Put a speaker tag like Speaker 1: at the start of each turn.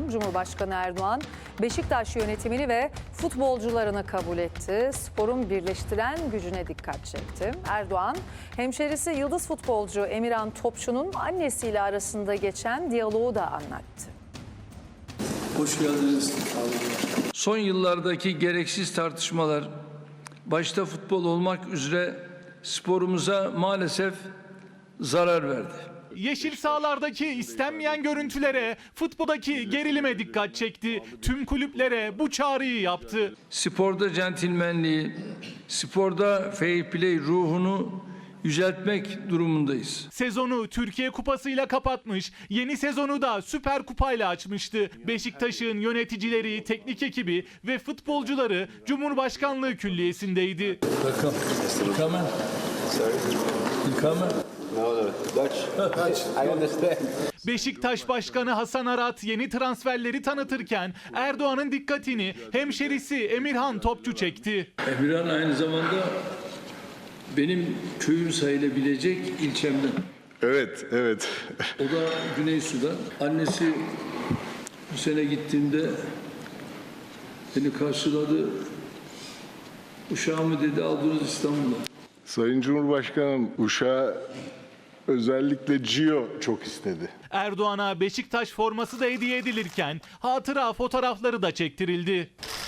Speaker 1: akşam Cumhurbaşkanı Erdoğan Beşiktaş yönetimini ve futbolcularını kabul etti. Sporun birleştiren gücüne dikkat çekti. Erdoğan, hemşerisi yıldız futbolcu Emirhan Topçu'nun annesiyle arasında geçen diyaloğu da anlattı.
Speaker 2: Hoş geldiniz.
Speaker 3: Son yıllardaki gereksiz tartışmalar, başta futbol olmak üzere sporumuza maalesef zarar verdi.
Speaker 4: Yeşil sahalardaki istenmeyen görüntülere, futboldaki gerilime dikkat çekti. Tüm kulüplere bu çağrıyı yaptı.
Speaker 3: Sporda centilmenliği, sporda fair play ruhunu yüceltmek durumundayız.
Speaker 4: Sezonu Türkiye Kupası'yla kapatmış, yeni sezonu da Süper Kupa'yla açmıştı. Beşiktaş'ın yöneticileri, teknik ekibi ve futbolcuları Cumhurbaşkanlığı Külliyesi'ndeydi. Beşiktaş Başkanı Hasan Arat yeni transferleri tanıtırken Erdoğan'ın dikkatini hemşerisi Emirhan Topçu çekti.
Speaker 3: Emirhan aynı zamanda benim köyüm sayılabilecek ilçemden.
Speaker 5: Evet.
Speaker 3: O da Güneysu'da. Annesi bu sene gittiğimde beni karşıladı. Uşağımı dedi aldınız İstanbul'a.
Speaker 5: Sayın Cumhurbaşkanım, uşağı özellikle Gio çok istedi.
Speaker 4: Erdoğan'a Beşiktaş forması da hediye edilirken hatıra fotoğrafları da çektirildi.